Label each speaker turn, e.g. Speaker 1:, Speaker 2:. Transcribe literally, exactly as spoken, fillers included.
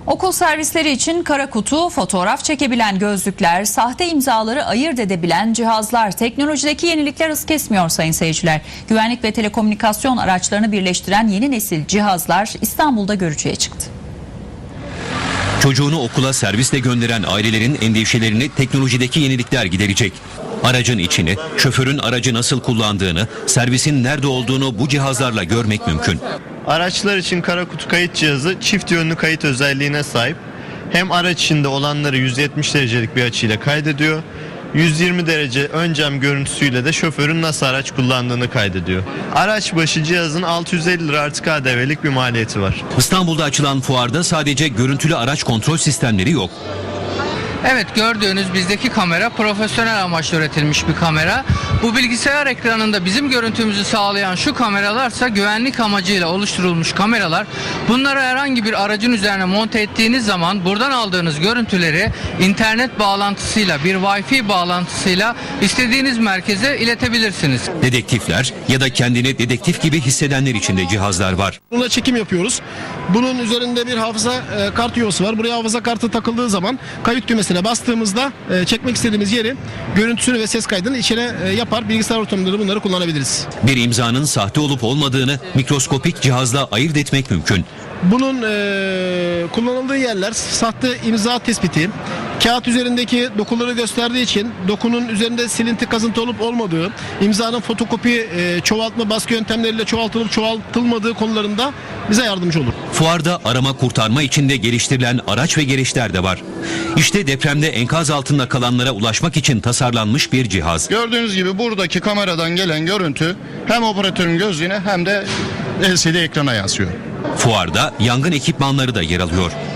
Speaker 1: Okul servisleri için kara kutu, fotoğraf çekebilen gözlükler, sahte imzaları ayırt edebilen cihazlar, teknolojideki yenilikler hız kesmiyor sayın seyirciler. Güvenlik ve telekomünikasyon araçlarını birleştiren yeni nesil cihazlar İstanbul'da görücüye çıktı.
Speaker 2: Çocuğunu okula servisle gönderen ailelerin endişelerini teknolojideki yenilikler giderecek. Aracın içini, şoförün aracı nasıl kullandığını, servisin nerede olduğunu bu cihazlarla görmek mümkün.
Speaker 3: Araçlar için kara kutu kayıt cihazı çift yönlü kayıt özelliğine sahip. Hem araç içinde olanları yüz yetmiş derecelik bir açıyla kaydediyor. yüz yirmi derece ön cam görüntüsüyle de şoförün nasıl araç kullandığını kaydediyor. Araç başı cihazın altı yüz elli lira artı K D V'lik bir maliyeti var.
Speaker 2: İstanbul'da açılan fuarda sadece görüntülü araç kontrol sistemleri yok.
Speaker 4: Evet, gördüğünüz bizdeki kamera profesyonel amaçla üretilmiş bir kamera. Bu bilgisayar ekranında bizim görüntümüzü sağlayan şu kameralarsa güvenlik amacıyla oluşturulmuş kameralar. Bunları herhangi bir aracın üzerine monte ettiğiniz zaman buradan aldığınız görüntüleri internet bağlantısıyla, bir Wi-Fi bağlantısıyla istediğiniz merkeze iletebilirsiniz.
Speaker 2: Dedektifler ya da kendini dedektif gibi hissedenler için de cihazlar var.
Speaker 5: Bununla çekim yapıyoruz. Bunun üzerinde bir hafıza e, kart yuvası var. Buraya hafıza kartı takıldığı zaman kayıt düğmesine bastığımızda e, çekmek istediğimiz yeri, görüntüsünü ve ses kaydını içine e, yapar. Bilgisayar ortamında bunları kullanabiliriz.
Speaker 2: Bir imzanın sahte olup olmadığını mikroskopik cihazla ayırt etmek mümkün.
Speaker 5: Bunun e, kullanıldığı yerler sahte imza tespiti, kağıt üzerindeki dokuları gösterdiği için dokunun üzerinde silinti, kazıntı olup olmadığı, imzanın fotokopi, e, çoğaltma, baskı yöntemleriyle çoğaltılıp çoğaltılmadığı konularında bize yardımcı olur.
Speaker 2: Fuarda arama kurtarma için de geliştirilen araç ve gereçler de var. İşte depremde enkaz altında kalanlara ulaşmak için tasarlanmış bir cihaz.
Speaker 6: Gördüğünüz gibi buradaki kameradan gelen görüntü hem operatörün gözlüğüne hem de L C D ekrana yansıyor.
Speaker 2: Fuarda yangın ekipmanları da yer alıyor.